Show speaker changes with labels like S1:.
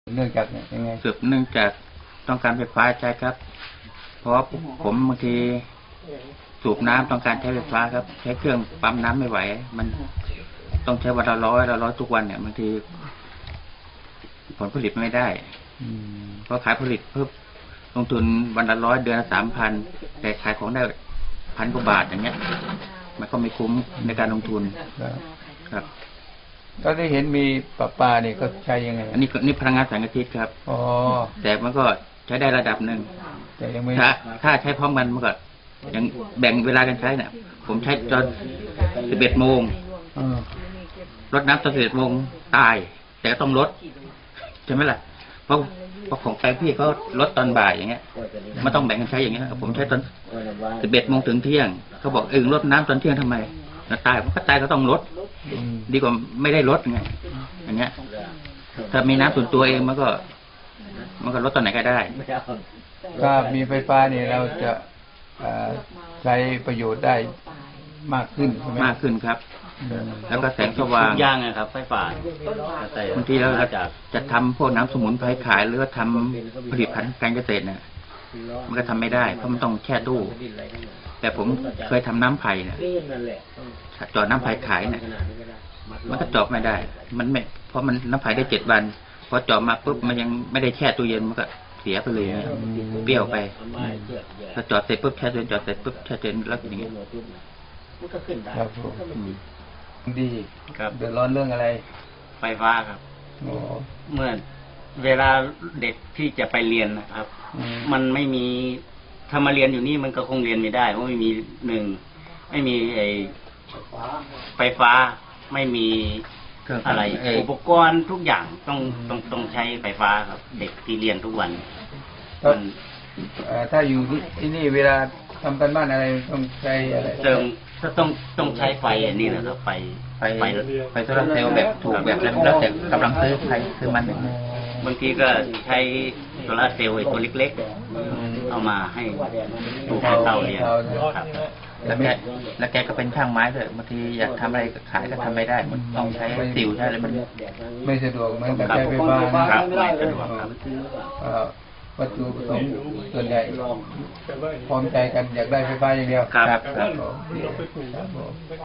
S1: เนื่องจากยังไง
S2: สืบเนื่องจากต้องการไฟฟ้าใช้ครับ เพราะผมบางทีสูบน้ำต้องการใช้ไฟฟ้าครับ ใช้เครื่องปั๊มน้ำไม่ไหว มันต้องใช้วันละร้อยทุกวันเนี่ยบางทีผลผลิตไม่ได้เพราะขายผลิตเพิ่มลงทุนวันละ100เดือนละ3,000แต่ขายของได้1,000 กว่าบาทอย่างเงี้ยมันก็ไม่คุ้มในการลงทุนครับ
S1: ก็ได้เห็นมีประปาเนี่ยก็ใช้ยังไง
S2: อันนี้นี่พลังงานแสงอาทิตย์ครับ
S1: อ๋อ
S2: แต่มันก็ใช้ได้ระดับหนึ่ง
S1: แต่ยังไม่
S2: ถ้าใช้พร้อมกันมันก็ยังแบ่งเวลากันใช้เนี่ยผมใช้ตอน11 โมงรดน้ำตอน11 โมงตายแต่ก็ต้องลดใช่ไหมล่ะเพราะของแปลงพี่เขาลดตอนบ่ายอย่างเงี้ยมันต้องแบ่งกันใช้อย่างเงี้ยผมใช้ตอน11 โมงถึงเที่ยงเขาบอกลดน้ำตอนเที่ยงทำไมตายมันก็ตายก็ต้องลดดีกว่าไม่ได้ลดไงอย่างเงี้ยถ้ามีน้ำส่วนตัวเองมันก็ลดตอนไหนก็ได้
S1: ถ้ามีไฟฟ้าเนี่ยเราจะใช้ประโยชน์ได้มากขึ้นใช่ไหม
S2: มากขึ้นครับแล้วก็แสงสว่าง
S3: ย่างนะครับไฟฟ้า
S2: บางทีเราจะทำพวกน้ำสมุนไพรขายหรือว่าทำผลิตภัณฑ์การเกษตรเนี่ยมันก็ทำไม่ได้เพราะมันต้องแช่ตู้แต่ผมเคยทำน้ำไผ่เนี่ยจอดน้ำไผ่ขายเนี่ยมันก็จอดไม่ได้มันไม่เพราะมันน้ำไผ่ได้7 วันพอจอดมาปุ๊บมันยังไม่ได้แช่ตู้เย็นมันก็เสียไปเลยเปรี้ยวไปถ้าจอดเสร็จปุ๊บแช่ตู้เย็นจอดเสร็จปุ๊บแช่ตู้เย็นแล้วอย่างเงี้ย
S1: ครับดีเดือดร้อนเรื่องอะไร
S3: ไฟฟ้าครับเมื่อเวลาเด็กที่จะไปเรียนนะครับมันไม่มีถ้ามาเรียนอยู่นี่มันก็คงเรียนไม่ได้เพราะไม่มีไม่มีไฟฟ้าไม่มีอะไรอุปกรณ์ทุกอย่างต้องใช้ไฟฟ้าครับเด็กที่เรียนทุกวัน
S1: ถ้าอยู่ที่นี่เวลาทำกันบ้านอะไรต้องใช้อะไร
S3: ต้องใช้ไฟอันนี้นะครับไฟ
S2: โซลาร์เซลล์แบบถูกแบบแล้วแต่กำลังซื้อใครซื้อมัน
S3: บางทีก็ใช้โซลาร์เซลล์ตัวเล็กๆเอามาให้ปลูกเตาเรียนครับ
S2: แล้วแกก็เป็นช่างไม้ด้วยบางทีอยากทำอะไรขายก็ทำไม่ได้มันต้องใช้สิวใช้อะไรมัน
S1: ไม่สะดวกเหมือนกับใช้ไฟฟ้า
S3: ครับไม่สะดวกครับ
S1: วัตถุประสงค์ส่วนใหญ่พร้อมใจกันอยากได้ไฟฟ้าอย่างเดียว
S2: ครับ